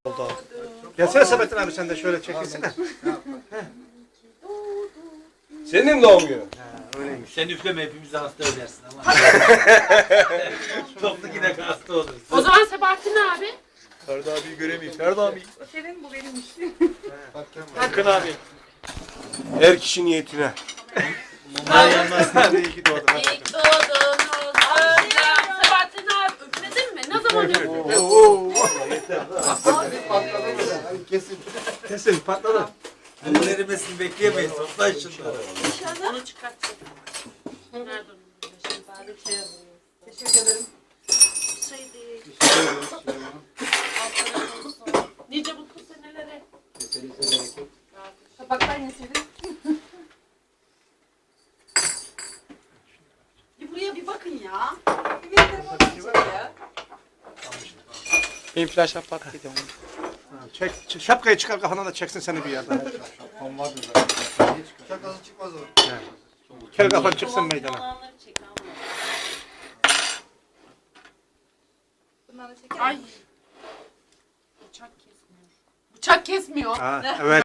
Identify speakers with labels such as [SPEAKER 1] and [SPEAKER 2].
[SPEAKER 1] Oldu. Gelsene Sabahattin abi sen de şöyle çekilsene.
[SPEAKER 2] Senin doğum günün.
[SPEAKER 1] Öyleymiş.
[SPEAKER 3] Sen üfleme hepimizi hasta edersin ama. Toplu yine hasta oluruz.
[SPEAKER 4] O zaman Sebahattin abi.
[SPEAKER 2] Ferdi abiyi göremeyim. Ferdi abi.
[SPEAKER 5] Senin bu benimmiş.
[SPEAKER 1] Hakkın abi.
[SPEAKER 2] Her kişi niyetine.
[SPEAKER 3] Mumlar yanmaz.
[SPEAKER 1] Hadi iyi ki doğdun.
[SPEAKER 4] İlk doğdunuz Özlem. Sebahattin abi üfledin mi? Ne zaman üfledin?
[SPEAKER 1] Kesin patladı.
[SPEAKER 3] Bunun erimesini bekleyemeyiz. Toplayın şunları.
[SPEAKER 4] Onu çıkartacağım. Nerede onun?
[SPEAKER 5] Teşekkür ederim.
[SPEAKER 4] Şey değil. Nice mutlu senelere.
[SPEAKER 5] Tabaktan yeseydin.
[SPEAKER 4] Bir buraya bir bakın ya.
[SPEAKER 5] Bir telefondan çek ya.
[SPEAKER 6] Benim flash patladı onu.
[SPEAKER 1] Çek, şapkayı çıkar kafandan da çeksin seni bir yerden.
[SPEAKER 2] Şakası çıkmaz o.
[SPEAKER 1] Kel kafan çıksın meydana.
[SPEAKER 4] Olanları çek ama.
[SPEAKER 5] Bunları çeker
[SPEAKER 4] Ay. Bıçak kesmiyor. Bıçak kesmiyor.
[SPEAKER 1] Ha, evet.